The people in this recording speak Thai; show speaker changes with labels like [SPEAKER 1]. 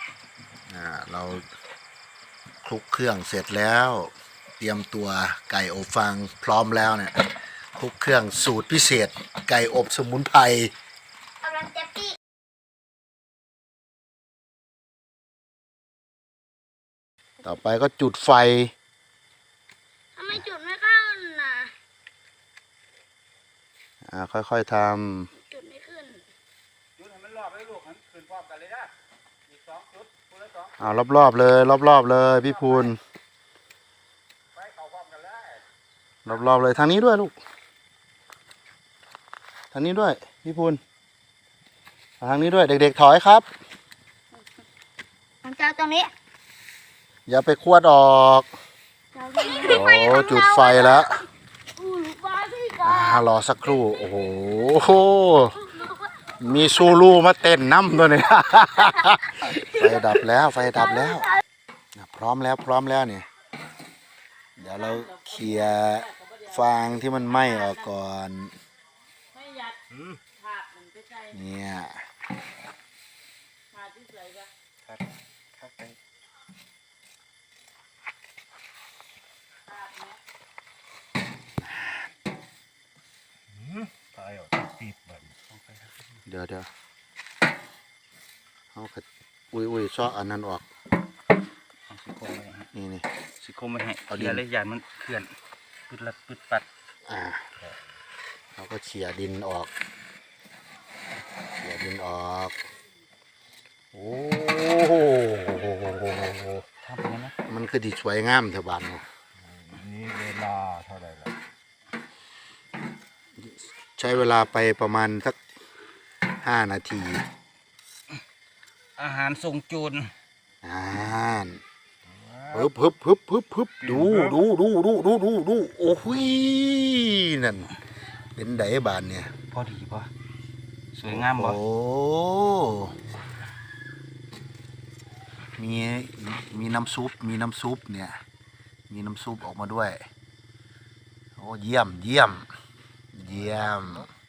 [SPEAKER 1] เราคลุกเครื่องเสร็จแล้วเตรียมตัวไก่อบฟางพร้อมแล้วเนี่ยคลุกเครื่องสูตรพิเศษไก่อบสมุนไพร
[SPEAKER 2] กำลังจะปี้
[SPEAKER 1] ต่อไปก็จุดไฟ
[SPEAKER 2] ทำไมจุดไม่เข้าน่ะ
[SPEAKER 1] ค่อยๆท
[SPEAKER 2] จุดไม่ขึ้น
[SPEAKER 3] จุดให้มันรอบเลยลูกให้ขึ้นพร้อมกันเลยนะอีก2 จุดคนละ2
[SPEAKER 1] ำรอบๆเลยรอบๆเลยพี่พูน
[SPEAKER 3] ไปเข้าพร้อมกันเลย
[SPEAKER 1] รอบๆเลยทางนี้ด้วยลูกทางนี้ด้วยพี่พูนทางนี้ด้วยเด็กๆถอยครับ
[SPEAKER 2] ผมจะตรงนี้
[SPEAKER 1] อย่าไปขวดออกโอ้จุดไฟแล้วรอสักครู่โอ้โหมีซูลูมาเต้นน้ำตัวนี้ไฟดับแล้วพร้อมแล้วเนี่ยเดี๋ยวเราเคลียร์ฟางที่มันไหม้ออกก่อนเนี่ยเดี๋ยวเอาขัดอุ้ยซ้ออันนั้นออกนี่
[SPEAKER 3] สิคมไม่ให้เอาเดี๋ยวเลยยานมันเคลื่อนปึดปัด
[SPEAKER 1] เราก็เฉียดินออกโอ้โห
[SPEAKER 3] ทำยังไง
[SPEAKER 1] มันคือดีสวยงามเถอะบ้าน
[SPEAKER 3] นี่เวลาเท่าไหร่ละ
[SPEAKER 1] ใช้เวลาไปประมาณสัก5 นาที
[SPEAKER 3] อาหารทรงจูน
[SPEAKER 1] ฮึบดูโอ้โหนั่นเป็นไดบานเนี่ย
[SPEAKER 3] พอดีป่ะสวยงามบ่
[SPEAKER 1] โอ้มีน้ำซุปเนี่ยมีน้ำซุปออกมาด้วยโอ้เยี่ยม